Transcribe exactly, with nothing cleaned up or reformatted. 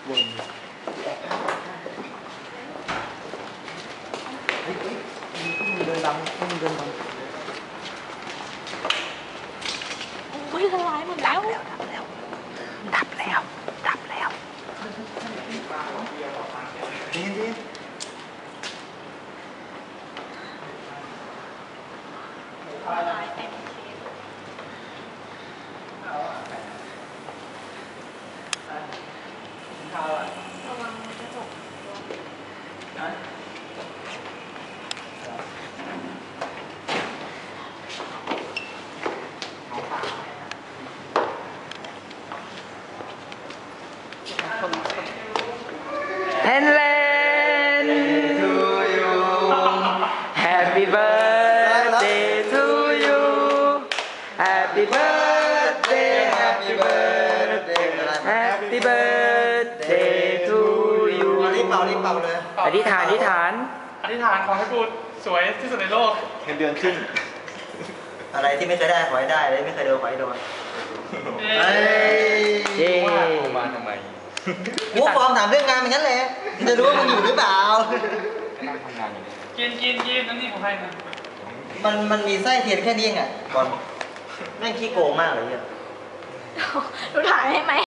วนเฮ้ยเฮ้ยมึงเดินบังมึงเดินบังโอ้ยละลายหมดแล้วดับแล้วดับแล้วดับแล้วดีดีละลายเต็มทีระวังกระจกเฮนเลน to you Happy birthday to you Happy birthday Happy birthday Happy birthday to you รีบเป่ารีบเป่าเลยอธิษฐานอธิษฐานอธิษฐานขอให้กูสวยที่สุดในโลกเงินเดือนขึ้นอะไรที่ไม่เคยได้ขอให้ได้เลยไม่เคยโดนขอให้โดนเฮ้ยเย้มาทำไมกูฟอร์มถามเรื่องงานอย่างนั้นแหละจะรู้ว่ามึงอยู่หรือเปล่านั่งทำงานอยู่กินกินกินนั่นนี่ของใครนะมันมันมีไส้เทียนแค่นี้เองอ่ะบอลแม่งขี้โกงมากเลยเนี่ยดูถ่ายให้ไหม